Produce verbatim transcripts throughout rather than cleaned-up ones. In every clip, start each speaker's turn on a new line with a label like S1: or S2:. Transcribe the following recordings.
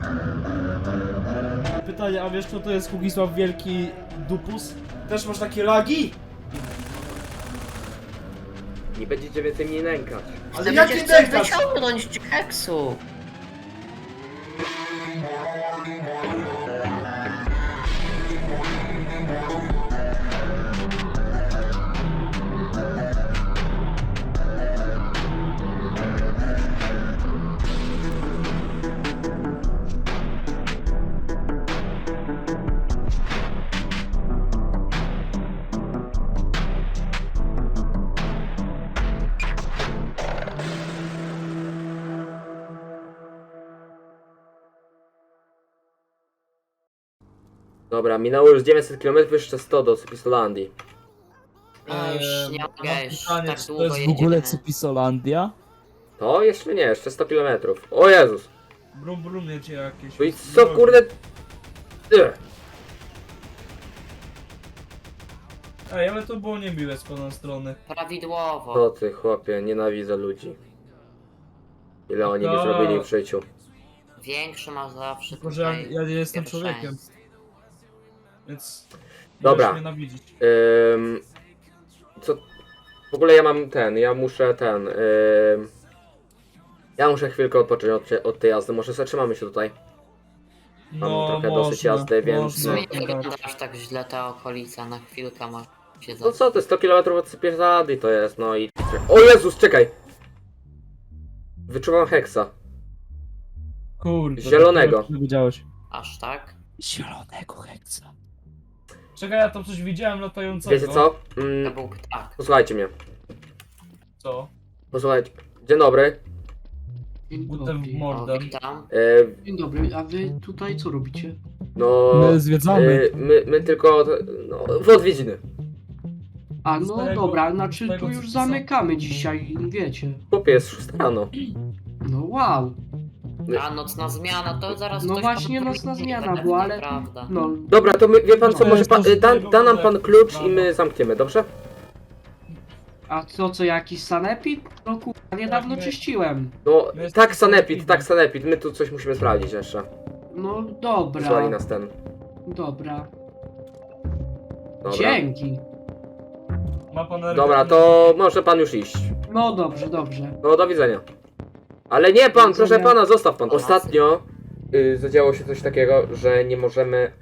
S1: Pytanie, a wiesz kto to jest Kugisław Wielki Dupus? Też masz takie lagi?
S2: Nie będziecie więcej mnie nękać.
S1: Ale
S3: Ty
S1: jakie
S3: będziesz chcesz
S1: nękasz?
S3: wyciągnąć heksu.
S2: Dobra, minęło już dziewięćset kilometrów, jeszcze sto do Cypisolandii.
S3: No już
S1: Eee,
S3: nie
S1: mam
S3: mogę, już
S1: pytanie,
S3: tak
S1: czy to
S3: długo
S1: jest w
S3: jedziemy.
S1: ogóle Cypisolandia?
S2: To jeszcze nie, jeszcze sto kilometrów. O Jezus!
S1: Brum brum jedzie jakieś.
S2: No i co kurde... Ugh.
S1: Ej, ale to było niemiłe z pana strony.
S3: Prawidłowo.
S2: To ty chłopie, nienawidzę ludzi. Ile oni mi
S1: No.
S2: zrobili w życiu.
S3: Większy masz zawsze
S1: Tylko, że ja,
S3: tutaj
S1: ja nie jestem
S3: pierwszeństwo.
S1: człowiekiem. Więc...
S2: Dobra.
S1: możesz mnie nawidzić.
S2: Ym... Co... W ogóle ja mam ten, ja muszę ten... Ym... Ja muszę chwilkę odpocząć od, od tej jazdy, może zatrzymamy się tutaj. Mam trochę dosyć jazdy, więc-
S3: W sumie
S1: można,
S3: nie
S1: tak.
S3: wygląda aż tak źle ta okolica, na chwilkę masz się
S2: No co ty, sto kilometrów od Cypiezady to jest, no i... O Jezus, czekaj! Wyczuwam heksa.
S1: Kurde.
S2: Zielonego.
S1: Nie widziałeś.
S3: Aż tak?
S1: Zielonego heksa. Czekaj, ja tam coś widziałem latającego.
S2: Wiecie co?
S3: To
S2: Mm,
S3: był ptak.
S2: posłuchajcie mnie.
S1: Co?
S2: Posłuchajcie. Dzień dobry.
S4: Dzień
S1: Butem w
S4: dobry.
S3: O,
S1: mordę.
S3: witam.
S2: E,
S4: Dzień dobry, a wy tutaj co robicie?
S2: no...
S1: My zwiedzamy.
S2: e, my, my tylko... No, w odwiedziny.
S4: A no
S1: Starego-
S4: dobra, znaczy
S1: starego
S4: tu już
S1: cypisa.
S4: zamykamy dzisiaj, wiecie.
S2: Chłopie, jest szósta rano.
S4: No wow.
S3: A nocna zmiana, to zaraz
S4: No
S3: ktoś
S4: właśnie
S3: powie,
S4: nocna
S3: że
S4: zmiana
S3: to
S4: była, ale-
S3: Nieprawda.
S4: No,
S2: Dobra, to my, wie pan co,
S1: No,
S2: może pan...
S1: to
S2: e, Da,
S1: z
S2: da nam
S1: tego
S2: pan klucz i
S1: prawa.
S2: my zamkniemy, dobrze?
S4: a co, co jakiś sanepid? No kurwa, niedawno
S1: my-
S4: czyściłem.
S2: No,
S1: My jesteśmy
S2: tak sanepid,
S1: sanepidem.
S2: tak sanepid, my tu coś musimy sprawdzić jeszcze.
S4: No
S2: Wysłali
S4: dobra,
S2: nas ten.
S4: dobra.
S2: Dobra.
S4: Dzięki.
S1: Ma pan
S2: Dobra, to może pan już iść.
S4: No dobrze, dobrze.
S2: No, do widzenia. Ale nie pan,
S4: Do
S2: proszę
S4: widzenia.
S2: pana, zostaw pan. Ostatnio y, zadziało się coś takiego, że nie możemy...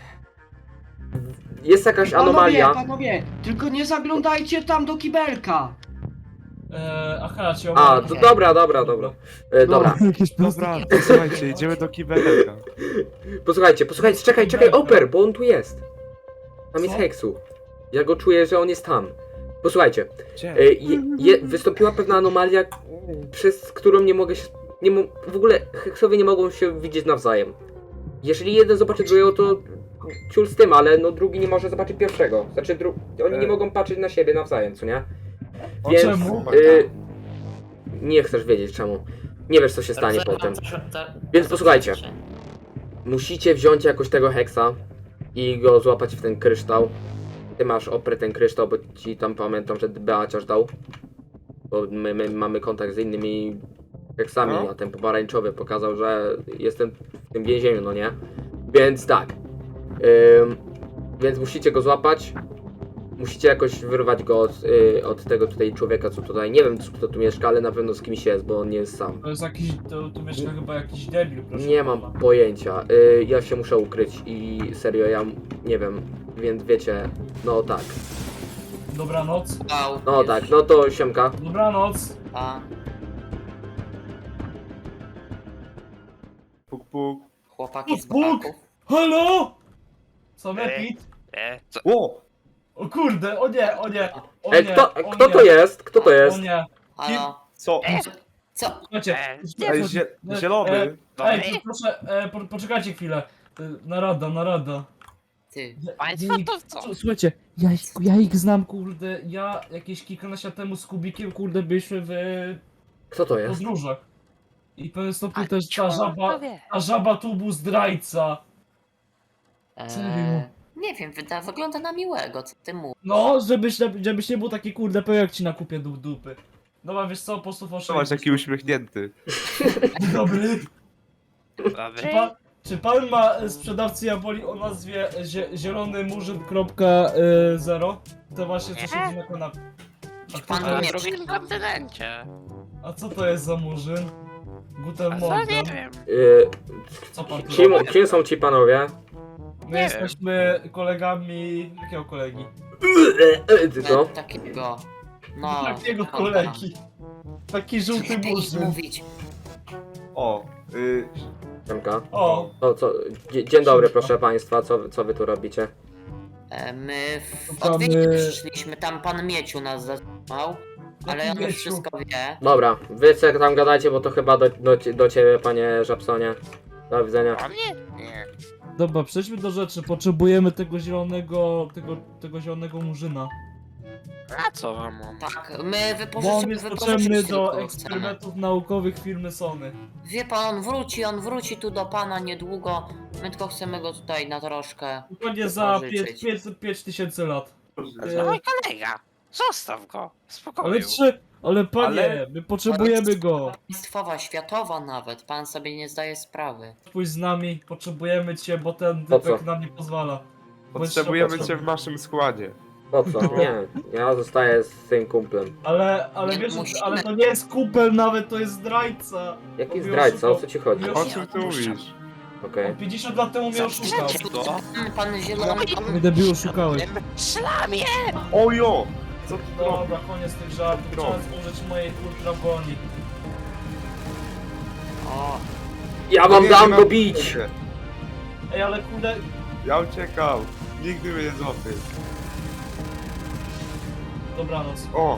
S2: Jest jakaś anomalia.
S4: Panowie, panowie, tylko nie zaglądajcie tam do kibelka.
S1: Eee, aha, ci
S2: A,
S1: omówię.
S2: to dobra, dobra, dobra. E, dobra,
S1: Jakieś
S5: Dobra, słuchajcie, idziemy do kibelka.
S2: posłuchajcie, posłuchajcie, czekaj, czekaj, Oper, bo on tu jest. Tam jest
S1: Co?
S2: Heksu. Ja go czuję, że on jest tam. Posłuchajcie,
S5: Gdzie?
S2: e, je, je, wystąpiła pewna anomalia, przez którą nie mogę się... Nie mo w ogóle Heksowie nie mogą się widzieć nawzajem. Jeżeli jeden zobaczy drugiego, to ciul z tym, ale no drugi nie może zobaczyć pierwszego. Znaczy, dru oni nie
S5: E.
S2: mogą patrzeć na siebie nawzajem, co nie?
S1: O
S2: Więc
S1: czemu?
S2: y, nie chcesz wiedzieć czemu. Nie wiesz co się stanie potem. Więc posłuchajcie. Musicie wziąć jakoś tego heksa i go złapać w ten kryształ. Ty masz oprę ten kryształ, bo ci tam pamiętam, że Beaciarz dał. Bo my, my mamy kontakt z innymi heksami,
S5: No.
S2: a ten pomarańczowy pokazał, że jestem w tym więzieniu, no nie? Więc tak. Ym, więc musicie go złapać. Musicie jakoś wyrwać go od, y, od tego tutaj człowieka, co tutaj, nie wiem kto tu mieszka, ale na pewno z kimś jest, bo on nie jest sam.
S1: To jest jakiś, to, tu mieszka chyba jakiś debil, proszę
S2: Nie
S1: pana.
S2: mam pojęcia. Y, ja się muszę ukryć i serio, ja m- nie wiem, więc wiecie, no tak.
S1: Dobranoc.
S3: Wow,
S2: No
S3: jest-
S2: tak, no to siemka.
S1: Dobranoc.
S3: A,
S5: Puk, puk.
S3: chłopaki z
S1: Puk, puk.
S3: braków.
S1: Halo? Sanepid?
S6: E, co?
S5: O!
S1: O kurde, o nie, o nie. O
S2: Ej,
S1: nie,
S2: kto,
S1: o
S2: kto
S1: nie,
S2: to jest? Kto to
S1: O
S2: jest?
S1: nie.
S3: Halo?
S5: Co?
S3: Co?
S1: Słuchajcie.
S6: E,
S5: Ej, zie zielony. No.
S1: Ej, to proszę, e, po, poczekajcie chwilę. E, Narada, narada.
S3: Ty.
S6: Państwo to co?
S1: Słuchajcie, ja, ich- ja ich znam, kurde. Ja jakieś kilkanaście lat temu z Kubikiem, kurde, byliśmy w
S2: Kto to jest?
S1: podróżach. I w pewnym stopniu
S6: A
S1: też ta żaba,
S6: wie.
S1: ta żaba tu był zdrajca. Serio?
S3: Eee, nie wiem, wyda, wygląda na miłego, co ty mówisz?
S1: No, żebyś, żebyś nie był taki kurde pełen jak ci na kupie du dupy. Dobra, wiesz co, po prostu
S5: Zobacz, jaki uśmiechnięty.
S1: Dobry. Czy
S6: Dobry?
S1: pan, czy pan ma e, sprzedawcy jaboli o nazwie zie, zielony murzyn kropka e, zero? To właśnie co
S6: Nie.
S1: siedzi na kanapie. A,
S3: Czy
S1: kto
S3: pan
S1: to
S6: Na
S3: nie
S1: jest?
S6: drugim kontynencie.
S1: A co to jest za murzyn? Guten
S6: A co nie
S1: Morgen.
S6: wiem.
S2: Yy,
S1: Co pan tu
S2: kim,
S1: robi?
S2: kim są ci panowie?
S1: My
S6: Nie
S1: jesteśmy kolegami... Jakiego kolegi?
S2: Ty co?
S3: Takiego. No.
S1: Takiego
S3: pana.
S1: kolegi. Taki żółty
S3: Lepiej
S1: murzyn.
S3: mówić.
S5: O, y,
S2: Siemka.
S1: O,
S2: O, co? Dzie- Dzień dobry, proszę państwa, co, co wy tu robicie?
S3: E, My w
S1: Szukamy-
S3: odwiedziny przyszliśmy, tam pan Mieciu nas zatrzymał. Ale
S1: Jaki
S3: on już
S1: Mieciu?
S3: wszystko wie.
S2: Dobra, wy co tam gadajcie, bo to chyba do, do, do ciebie, panie Żabsonie. Do widzenia.
S6: O mnie? Nie.
S1: dobra, przejdźmy do rzeczy. Potrzebujemy tego zielonego... tego, tego zielonego murzyna.
S6: A co wam mam?
S3: Tak, my
S1: Bo on
S3: wypożyczymy,
S1: jest
S3: wypożyczymy
S1: potrzebny
S3: tylko
S1: do
S3: cenę.
S1: eksperymentów naukowych firmy Sony.
S3: Wie pan, on wróci, on wróci tu do pana niedługo. My tylko chcemy go tutaj na troszkę.
S1: Dokładnie za
S3: Pożyczyć.
S1: pięć tysięcy lat.
S6: A to mój kolega. Zostaw go. W spokoju.
S1: Ale trzy... Ale panie,
S5: Ale-
S1: my potrzebujemy go.
S3: Państwowa, światowa nawet, pan sobie nie zdaje sprawy.
S1: Pójdź z nami, potrzebujemy cię, bo ten
S2: Po co?
S1: typek nam nie pozwala.
S5: potrzebujemy
S1: Bo
S5: cię w naszym składzie.
S2: Po co? Nie, ja zostaję z tym kumplem.
S1: Ale, ale
S3: Nie
S1: wiesz,
S3: musimy.
S1: ale to nie jest kupel nawet, to jest zdrajca.
S2: Jaki
S1: On mnie
S2: zdrajca, o
S1: oszukał.
S2: co ci chodzi?
S1: Nie
S5: O czym ty mówisz?
S2: Okej.
S1: On pięćdziesiąt lat temu mnie oszukał.
S6: Zatrzymajcie go.
S3: Pan, pan zielony,
S1: Mnie debilu oszukałeś.
S6: Szlamie!
S5: Ojo! Co ty robisz?
S1: Dobra, koniec tych żartów,
S5: Drogi.
S1: trzeba zużyć mojej ultra broni.
S3: o,
S2: Ja wam
S5: Nie,
S2: dam
S5: nie
S2: go
S5: mam-
S2: bić!
S1: Ej, ale kurde,
S5: Ja uciekam. Nigdy mnie nie złapie.
S1: dobranoc.
S5: O!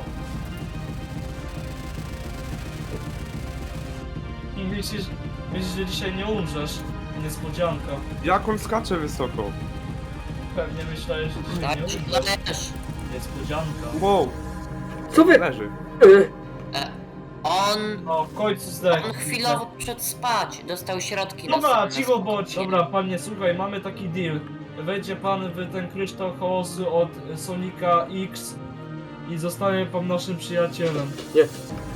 S1: Myślisz, myślisz, że dzisiaj nie umrzesz? Niespodzianka.
S5: Jak on skacze wysoko?
S1: Pewnie myślałeś, że dzisiaj
S3: tak,
S1: nie
S3: ci
S1: umrzesz.
S3: też.
S1: Niespodzianka.
S5: Wow!
S2: Co wy?
S5: Leży.
S2: Y,
S3: E, on,
S1: O, w końcu zdech.
S3: on chwilowo przed spać, dostał środki
S1: Dobra,
S3: na
S1: cicho bądź. Dobra, panie, słuchaj, mamy taki deal. Wejdzie pan w ten kryształ chaosu od Sonika X i zostanie pan naszym przyjacielem.
S2: Nie.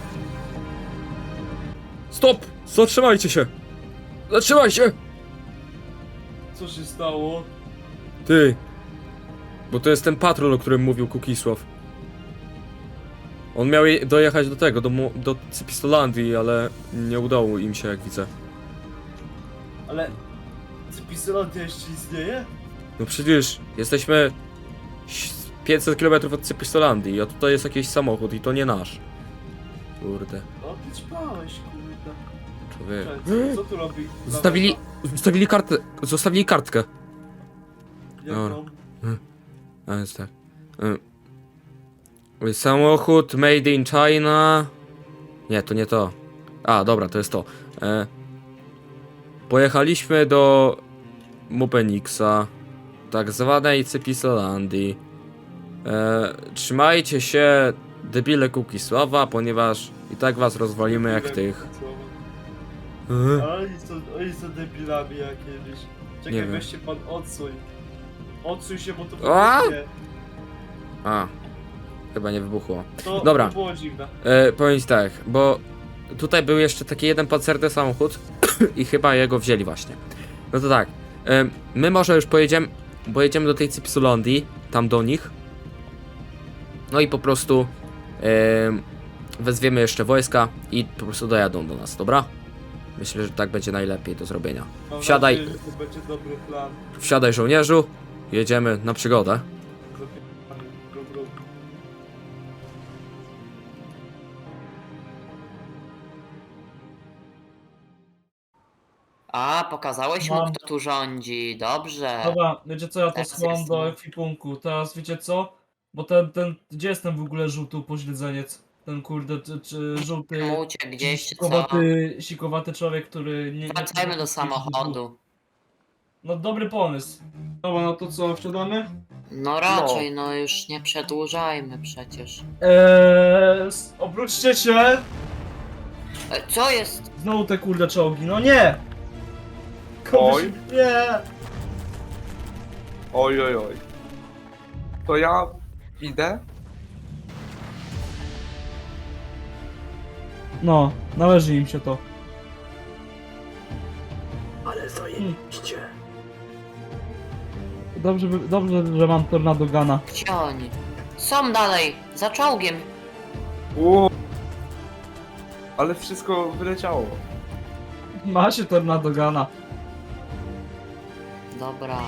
S7: Stop! Zatrzymajcie się! Zatrzymaj się!
S1: Co się stało?
S7: Ty! Bo to jest ten patrol, o którym mówił Kukisław. On miał je- dojechać do tego, do, Mo- do Cypistolandii, ale nie udało im się, jak widzę.
S1: Ale... Cypistolandia jeszcze istnieje?
S7: No przecież jesteśmy ś- pięćset kilometrów od Cypistolandii, a tutaj jest jakiś samochód i to nie nasz. Kurde,
S1: No ty ćpałeś, kurde.
S7: człowiek.
S1: Cześć, co tu robi?
S7: Zostawili, zostawili kartę, zostawili kartkę.
S1: Jaką?
S7: A więc tak. Y, Samochód made in China. Nie, to nie to. A, dobra, to jest to. E, pojechaliśmy do Mupenixa, tak zwanej Cypistolandii. E, trzymajcie się, debile Kukisława, ponieważ i tak was rozwalimy jak tych. Mhm.
S1: Ale oni są, oni są debilami jakimiś.
S7: Nie
S1: Czekaj,
S7: wiem.
S1: weź się pan odsuń. Odsuń się, bo to
S7: A!
S1: wybuchnie.
S7: A, chyba nie wybuchło.
S1: To,
S7: Dobra.
S1: to było dziwne.
S7: E, powiem ci tak, bo tutaj był jeszcze taki jeden pancerny samochód i chyba jego wzięli właśnie. No to tak, e, my może już pojedziemy, pojedziemy do tej Cypistolandii, tam do nich. No i po prostu e, wezwiemy jeszcze wojska i po prostu dojadą do nas, dobra? Myślę, że tak będzie najlepiej do zrobienia.
S1: Mam
S7: Wsiadaj.
S1: nadzieję, że to będzie dobry plan.
S7: Wsiadaj żołnierzu, jedziemy na przygodę.
S1: Zapierdalamy. Gru, gru.
S3: A, pokazałeś mu,
S1: Mam.
S3: kto tu rządzi, dobrze.
S1: Dobra, wiecie co, ja to
S3: Tak,
S1: schowam
S3: jest,
S1: do
S3: no.
S1: ekwipunku. Teraz wiecie co? Bo ten, ten, gdzie jest ten w ogóle żółty upośledzeniec? Ten kurde, czy, czy żółty,
S3: Tam uciekł gdzieś, czy co?
S1: sikowaty, sikowaty człowiek, który nie... nie
S3: Wracajmy do samochodu.
S1: No dobry pomysł. Dobra, no to co, wsiadamy?
S3: No raczej, no już nie przedłużajmy przecież.
S1: Eee, s- obróćcie się!
S3: E, co jest?
S1: Znowu te kurde czołgi, no nie! Komuś...
S5: Oj.
S1: Nie!
S5: Oj, oj, oj. To ja idę?
S1: No, należy im się to.
S2: Ale zajebiście.
S1: Dobrze, by- dobrze, że mam Tornado Gana.
S3: Gdzie oni? Są dalej, za czołgiem.
S5: Ło. Ale wszystko wyleciało.
S1: Ma się Tornado Gana.
S3: Dobra.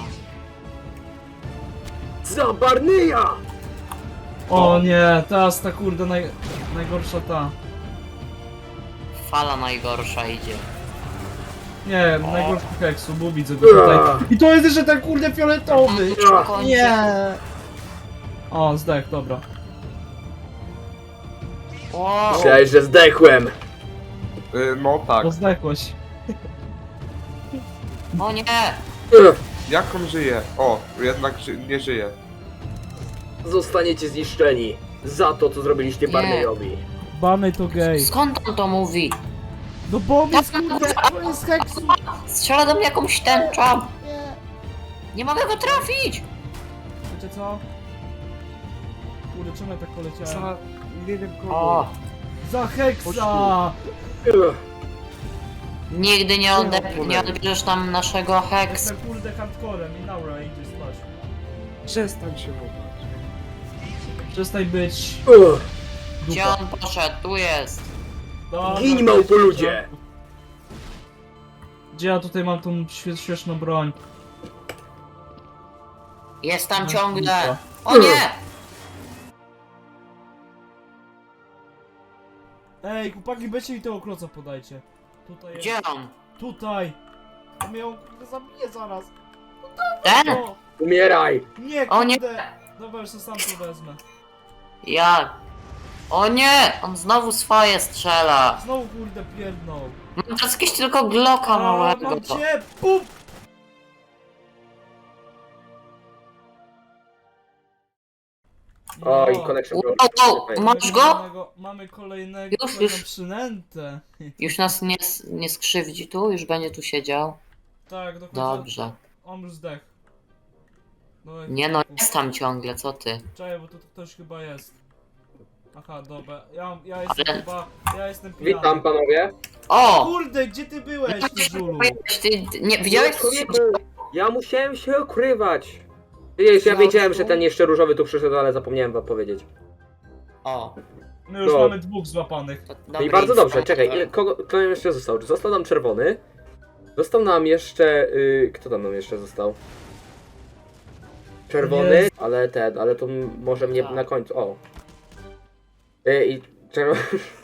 S2: Za Barneya!
S1: O nie, teraz ta kurde naj, najgorsza ta.
S3: Fala najgorsza idzie.
S1: Nie, najgorszy heksu, bo widzę go tutaj. I to jest jeszcze ten kurde fioletowy!
S3: Kończy.
S1: Nie! O, zdech, dobra.
S3: O,
S2: Myślałeś, że zdechłem.
S5: Y, no tak.
S1: Bo zdechłeś.
S3: o nie!
S2: Ugh.
S5: Jak on żyje? O, jednak ży nie żyje.
S2: Zostaniecie zniszczeni za to, co zrobiliście
S3: Nie.
S2: Barneyowi.
S1: Barney to gej.
S3: Skąd on to mówi?
S1: No bo jest kurde, to jest heksu!
S3: Strzela do mnie jakąś tęczą! Nie mogę go trafić!
S1: Wiecie co? Kurde, czemu ja tak poleciałem?
S5: Za... nie wiem kogo.
S3: O!
S1: Za heksa!
S2: Ugh.
S3: Nigdy nie, ode- nie odbierzesz tam naszego heks.
S1: Jestem kurde hardcorem i Naura idzie spać.
S5: Przestań się wołać.
S1: Przestań być
S2: Ugh.
S3: Gdzie
S1: dupa.
S3: on poszedł? Tu jest!
S1: Dobra,
S2: Gin, małpoludzie!
S1: Gdzie ja tutaj mam tą świe- śmieszną broń?
S3: Jest tam
S1: No,
S3: ciągle!
S1: dupa.
S3: O nie!
S1: Ej, chłopaki, weźcie mi tego kloca podajcie. Tutaj jest.
S3: Gdzie on?
S1: Tutaj! On mnie kurde zabije zaraz.
S3: Ten?
S1: O,
S2: Umieraj!
S1: nie,
S3: O nie.
S1: kurde! Dobra, już to sam tu wezmę.
S3: Jak? O nie! On znowu swoje strzela!
S1: Znowu kurde pierdnął.
S3: Mam teraz jakieś tylko Glocka
S1: A,
S3: małego.
S1: mam cię! Pum!
S2: Oj,
S1: No.
S2: connection
S3: Wow,
S2: problem.
S3: wow, masz go?
S1: Kolejnego- Mamy kolejnego
S3: Już,
S1: kolejną
S3: już.
S1: przynętę.
S3: Już nas nie, nie skrzywdzi tu? Już będzie tu siedział?
S1: Tak, dokładnie.
S3: Dobrze.
S1: On już zdech. No,
S3: Nie no, jest tam ciągle, co ty?
S1: Czekaj, bo tu ktoś chyba jest. Aha, dobra. Ja, ja jestem
S3: Ale-
S1: chyba... Ja jestem pijany.
S2: Witam panowie.
S3: O!
S1: Kurde, gdzie ty byłeś, ty żulu?
S3: Ty, ty, nie, widziałeś co się
S2: Człowieku, ja musiałem się ukrywać. Wiesz, ja wiedziałem, że ten jeszcze różowy tu przyszedł, ale zapomniałem wam powiedzieć.
S3: O,
S1: My już
S2: No.
S1: mamy dwóch złapanych.
S3: to
S2: No i
S3: dobry
S2: bardzo dobrze,
S3: informator.
S2: czekaj, ile, kogo, kto nam jeszcze został? Został nam czerwony. Został nam jeszcze... Y, kto tam nam jeszcze został? Czerwony,
S1: Jest.
S2: ale ten, ale to m- może mnie
S3: Tak.
S2: na końcu, o. Y, I czerwony...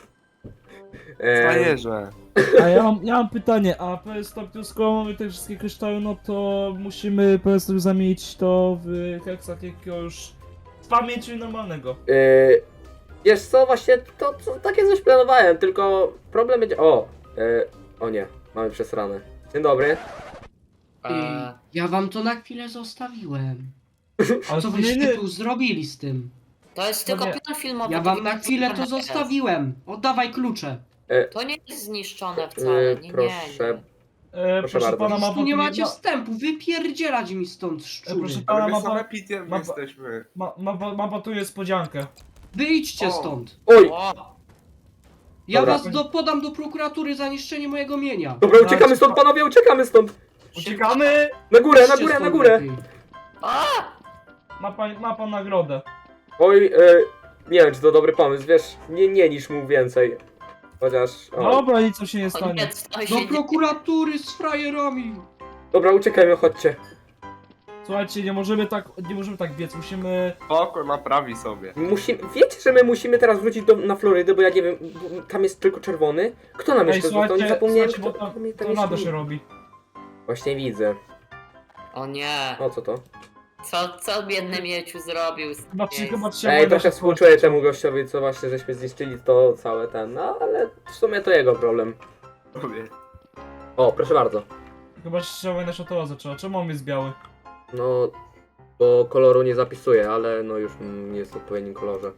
S2: Em,
S5: Frajerze.
S1: A ja mam, ja mam pytanie, a powiedz tak, to skoro mamy te wszystkie kryształy, no to musimy powiedz tak zamienić to w heksach jakiegoś z pamięci normalnego.
S2: y, wiesz co, właśnie to, to takie coś planowałem, tylko problem będzie... O! Y, o nie, mamy przesrane. Dzień dobry.
S3: Eee,
S4: Ja wam to na chwilę zostawiłem.
S1: Ale
S4: Co
S1: to
S4: wyście
S1: nie,
S4: tu zrobili z tym?
S3: to jest tylko
S1: nie.
S3: plan filmowy.
S4: Ja
S3: to
S4: wam
S3: nie
S4: na chwilę to
S3: jest.
S4: zostawiłem. Oddawaj klucze.
S3: To nie jest zniszczone wcale,
S2: Y,
S3: nie, nie,
S2: proszę.
S3: nie.
S1: e,
S2: Proszę
S1: proszę
S2: bardzo.
S1: pana, ma
S4: Tu
S1: pan
S4: nie
S1: tu
S4: macie
S1: ma,
S4: wstępu, wypierdzielać mi stąd szczury.
S1: proszę
S5: Ale
S1: pana,
S5: my
S1: ma
S5: same
S1: pan,
S5: pitiem
S1: ma-
S5: jesteśmy.
S1: ma, ma, ma, ma pan tu niespodziankę.
S4: Wyjdźcie
S5: O.
S4: stąd.
S2: Oj!
S3: O,
S4: Ja
S2: Dobra.
S4: was do, podam do prokuratury za niszczenie mojego mienia.
S2: Dobra, uciekamy stąd, panowie, uciekamy stąd!
S1: Uciekamy!
S2: Na górę, na
S4: Idźcie
S2: górę, na
S4: stąd
S2: górę!
S4: lepiej.
S3: a,
S1: Ma pan, ma pan nagrodę.
S2: Oj, e, nie wiem, czy to dobry pomysł, wiesz, nie, nie niż mu więcej. Chociaż, o.
S1: Dobra, nic mu się nie
S3: o
S1: stanie.
S3: nie, co
S4: Do
S3: się dzieje?
S4: prokuratury z frajerami.
S2: Dobra, uciekajmy, chodźcie.
S1: Słuchajcie, nie możemy tak, nie możemy tak biec, musimy...
S5: Oko naprawi sobie.
S2: Musimy, wiecie, że my musimy teraz wrócić do, na Florydę, bo ja nie wiem, bo tam jest tylko czerwony? Kto nam
S1: Ej,
S2: jeszcze został? Nie
S1: słuchajcie,
S2: zapomniałem,
S1: słuchajcie, bo
S2: kto,
S1: tam,
S2: kto mi tam
S1: to nado
S2: jeszcze-
S1: się robi.
S2: Właśnie widzę.
S3: O nie,
S2: O, co to?
S3: co, co biedny Mieciu zrobił? z
S1: Chyba,
S3: tym
S1: chyba
S3: miejscem?
S1: trzeba...
S2: Ej, trochę
S1: się
S2: współczuję temu gościowi, co właśnie żeśmy zniszczyli to całe ten, no ale w sumie to jego problem.
S5: Mówię.
S2: O, proszę bardzo.
S1: Chyba się wojna światowa zaczęła. Czemu on jest biały?
S2: No, bo koloru nie zapisuję, ale no już mm, jest w odpowiednim kolorze.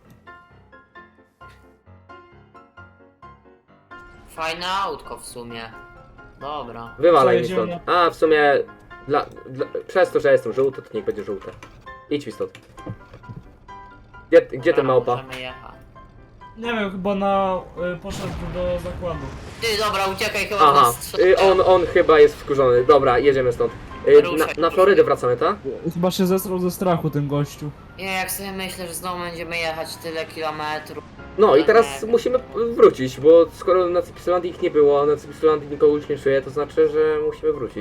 S3: Fajne autko w sumie. Dobra.
S2: Wywalaj mi
S1: Przejedziemy
S2: stąd. A, w sumie, dla, dla, przez to, że jestem żółty, to niech będzie żółte. Idź mi stąd. Gdzie, gdzie ten
S3: Dobra,
S2: małpa?
S3: możemy jechać.
S1: Nie wiem, chyba na... Y, poszedł do zakładu.
S3: Ty, dobra, uciekaj, chyba
S2: Aha,
S3: nas strzelają.
S2: y, on, on chyba jest wkurzony. Dobra, jedziemy stąd. Y, na,
S3: Ruszaj.
S2: na Florydę wracamy, tak?
S1: Chyba się zesrał ze strachu ten gościu.
S3: Nie, jak sobie myślę, że znowu będziemy jechać tyle kilometrów.
S2: No i
S3: No
S2: teraz
S3: nie.
S2: musimy wrócić, bo skoro na Cypisulandii ich nie było, a na Cypisulandii nikogo już nie czuje, to znaczy, że musimy wrócić.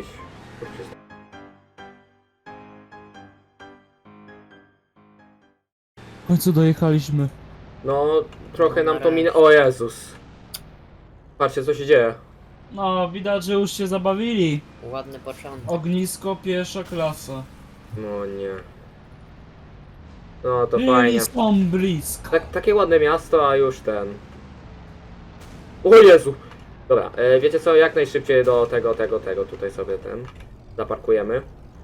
S1: W końcu dojechaliśmy.
S2: No, trochę nam to minęło. O Jezus. Patrzcie, co się dzieje.
S1: No, widać, że już się zabawili.
S3: Ładny początek.
S1: Ognisko, pierwsza klasa.
S2: No nie. No to fajnie.
S1: Byli są blisko.
S2: Tak, takie ładne miasto, a już ten. O Jezu! Dobra, e, wiecie co, jak najszybciej do tego, tego, tego, tutaj sobie ten zaparkujemy.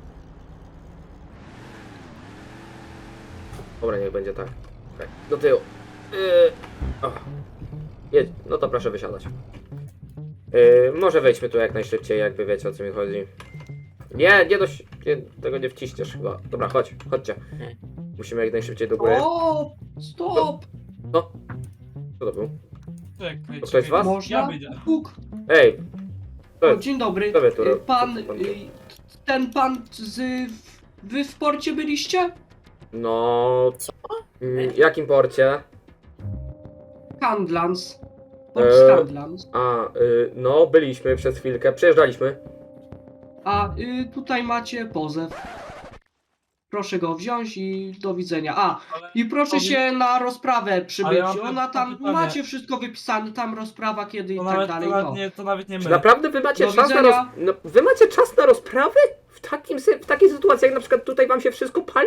S2: Dobra, niech będzie tak. Tak, do tyłu. Yy, o. Jedź, no to proszę wysiadać. Yy, może wejdźmy tu jak najszybciej, jakby wiecie, o co mi chodzi. Nie, nie dość, nie, tego nie wciśniesz chyba. Dobra, chodź, chodźcie. Musimy jak najszybciej do góry.
S4: O, stop!
S2: No. Co to był?
S1: Czekaj,
S2: To ktoś z was?
S1: Ja
S4: Można?
S1: wyjdę.
S4: Puk.
S2: Ej! To
S4: O,
S2: jest,
S4: dzień dobry.
S2: co wy tu
S4: Y,
S2: ro-
S4: Pan,
S2: co pan
S4: y, ten pan z... Wy w porcie byliście?
S2: no... Mm, jakim porcie?
S4: Handlans. Port
S2: Eee.
S4: Handlans.
S2: A, y, no, byliśmy przez chwilkę, przejeżdżaliśmy.
S4: A y, tutaj macie pozew. Proszę go wziąć i do widzenia. A,
S1: Ale-
S4: i proszę
S1: Powie-
S4: się na rozprawę przybyć.
S1: Ale ja mam
S4: Ona tam,
S1: pytanie.
S4: macie wszystko wypisane, tam rozprawa kiedy i
S1: To
S4: tak
S1: nawet,
S4: dalej.
S1: to, nawet
S4: No.
S1: nie, to nawet nie my.
S2: Czy naprawdę wy macie
S4: Do
S2: czas na roz...
S4: widzenia.
S2: no, wy macie czas na rozprawy? W takim sy- w takiej sytuacji, jak na przykład tutaj wam się wszystko pali?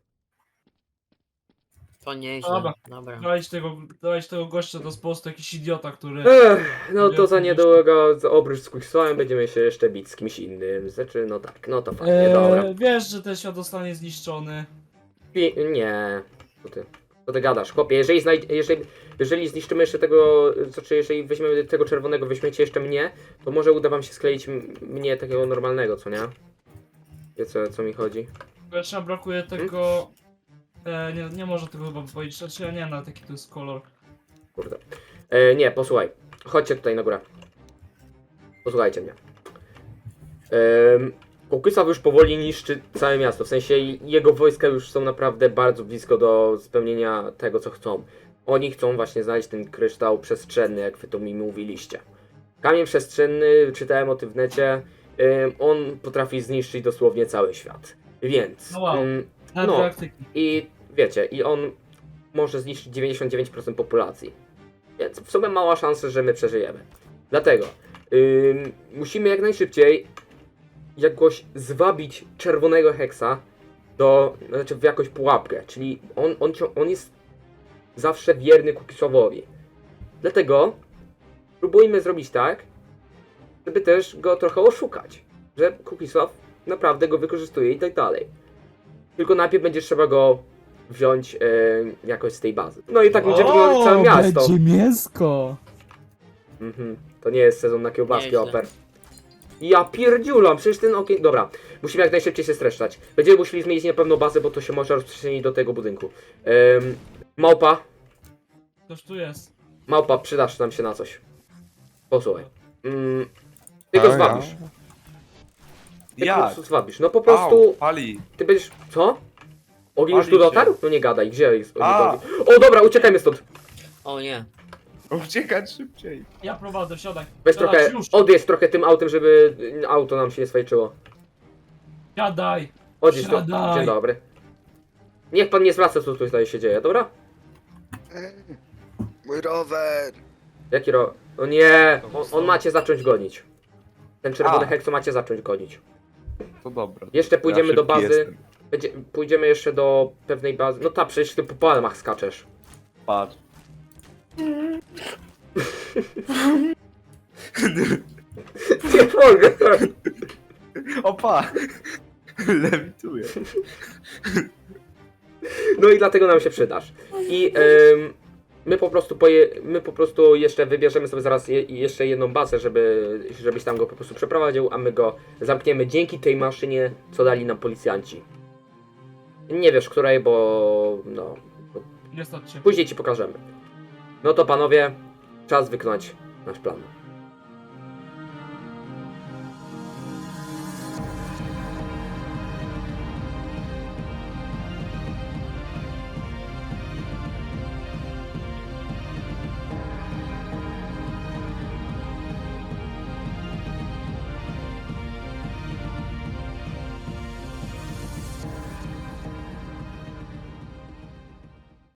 S3: To nieźle.
S1: Dobra.
S3: Dobra.
S1: Dałeś tego, dałeś tego gościa, to jest po prostu jakiś idiota, który...
S2: Ech, no to za
S1: Wielki
S2: niedługo, za oprócz z Quicksawem będziemy się jeszcze bić z kimś innym. Znaczy, no tak, no to fajnie, dobra.
S1: Eee, wiesz, że ten świat zostanie zniszczony.
S2: I, nie, co ty, co ty gadasz, chłopie, jeżeli, znajd- jeżeli, jeżeli zniszczymy jeszcze tego, znaczy jeżeli weźmiemy tego czerwonego, weźmiecie jeszcze mnie, to może uda wam się skleić m- mnie takiego normalnego, co nie? Wiecie o co mi chodzi?
S1: Jeszcze nam brakuje tego... E, nie, nie może tego chyba powiedzieć, znaczy ja nie wiem na jaki to jest kolor.
S2: Kurde. E, nie, posłuchaj, chodźcie tutaj na górę. Posłuchajcie mnie. Ehm, Kukisaw już powoli niszczy całe miasto, w sensie jego wojska już są naprawdę bardzo blisko do spełnienia tego, co chcą. Oni chcą właśnie znaleźć ten kryształ przestrzenny, jak wy to mi mówiliście. Kamień przestrzenny, czytałem o tym w necie, em, on potrafi zniszczyć dosłownie cały świat. Więc,
S1: No wow.
S2: em,
S1: Na
S2: No.
S1: praktyki.
S2: i wiecie, i on może zniszczyć dziewięćdziesiąt dziewięć procent populacji. Więc w sumie mała szansa, że my przeżyjemy. Dlatego ym, musimy jak najszybciej jakoś zwabić czerwonego heksa do, znaczy w jakąś pułapkę. Czyli on, on, cio- on jest zawsze wierny Kukisowowi. Dlatego próbujmy zrobić tak, żeby też go trochę oszukać. Że Kukisow naprawdę go wykorzystuje i tak dalej. Tylko najpierw będzie trzeba go wziąć e, jakoś z tej bazy. No i tak będzie wyglądać całe miasto.
S1: będzie mięsko!
S2: Mhm. To nie jest sezon na kiełbaski,
S3: Nieźle.
S2: oper. Ja pierdziulam, przecież ten okien... Dobra, musimy jak najszybciej się streszczać. Będziemy musieli zmienić na pewno bazę, bo to się może rozprzestrzenić do tego budynku. Ym, małpa,
S1: Ktoś tu jest.
S2: małpa, przydasz nam się na coś. Posłuchaj. Ym, ty go
S5: A, ja?
S2: zwabisz. Ty po
S5: Jak?
S2: prostu zwabisz. No po
S5: Au,
S2: prostu...
S5: pali.
S2: Ty będziesz... Co? Ogień już tu
S5: Pali się.
S2: dotarł? No nie gadaj, gdzie jest ogień?
S5: A.
S2: ogień? O dobra, uciekajmy stąd.
S3: O nie.
S5: Uciekać szybciej.
S1: Ja prowadzę, siadaj.
S2: Weź
S1: siadaj,
S2: trochę,
S1: już.
S2: odjedź trochę tym autem, żeby auto nam się nie swajczyło.
S1: Siadaj.
S2: Odjedź to.
S1: Siadaj.
S2: Dzień dobry. Niech pan nie zwraca, co tutaj się dzieje, dobra?
S8: Mój rower!
S2: Jaki ro... O nie! On, on macie zacząć gonić. Ten czerwony
S5: A.
S2: hekso macie zacząć gonić.
S5: To dobra.
S2: Jeszcze pójdziemy
S5: Ja
S2: do
S5: szybki
S2: bazy.
S5: jestem.
S2: Będzie, pójdziemy jeszcze do pewnej bazy. No ta, przecież ty po palmach skaczesz.
S5: Patrz.
S2: Nie mogę.
S5: Opa! Lewituję.
S2: No i dlatego nam się przydasz. I em, my po prostu poje, my po prostu jeszcze wybierzemy sobie zaraz je, jeszcze jedną bazę, żeby, żebyś tam go po prostu przeprowadził, a my go zamkniemy dzięki tej maszynie, co dali nam policjanci. Nie wiesz której, bo no,
S1: Nie stać się.
S2: później ci pokażemy. No to panowie, czas wykonać nasz plan.